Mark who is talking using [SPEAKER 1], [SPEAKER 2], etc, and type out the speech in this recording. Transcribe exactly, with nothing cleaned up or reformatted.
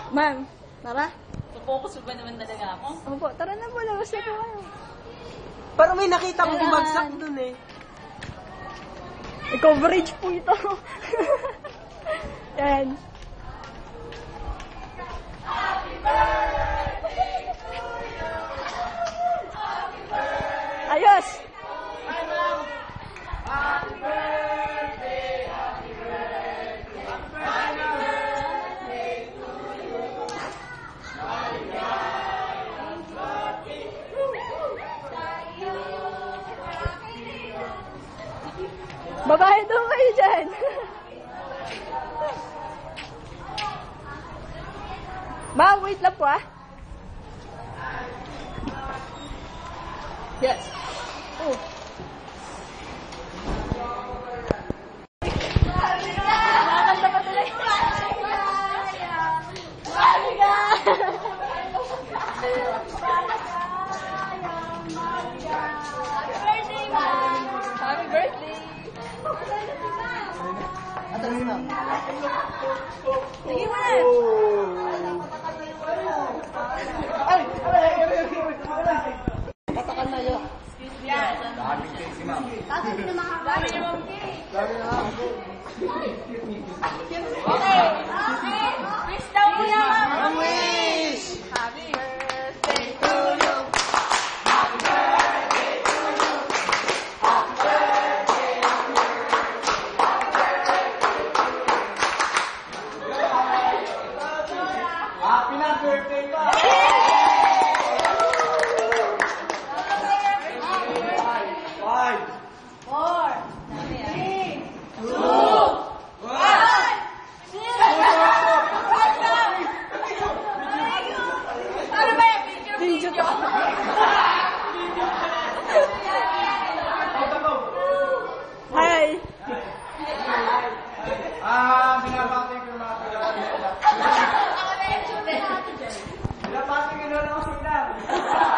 [SPEAKER 1] Ma'am, tara.
[SPEAKER 2] Focus ba naman talaga ako?
[SPEAKER 1] Opo, tara na po. Labas na po kayo.
[SPEAKER 3] Pero may nakita ko bumagsak dun eh.
[SPEAKER 1] May coverage po ito. Yan. Ayos! Babae daw kayo dyan. Ma'am, wait lang po ah. Yes. Oh. Nakakanta pa tuloy. Mariga! Happy birthday!
[SPEAKER 3] Atas na.
[SPEAKER 1] Sige mo na!
[SPEAKER 3] Ay! Patakan na yun. Daming cake si ma'am.
[SPEAKER 1] Dami na mga dami na mga cake.
[SPEAKER 3] Dami na ma'am.
[SPEAKER 1] Okay. Okay. Wish daw mo na, ma'am.
[SPEAKER 3] Ma'am, wish!
[SPEAKER 1] Happy birthday to you.
[SPEAKER 3] Happy birthday to you. Happy birthday to you. Happy na birthday pa!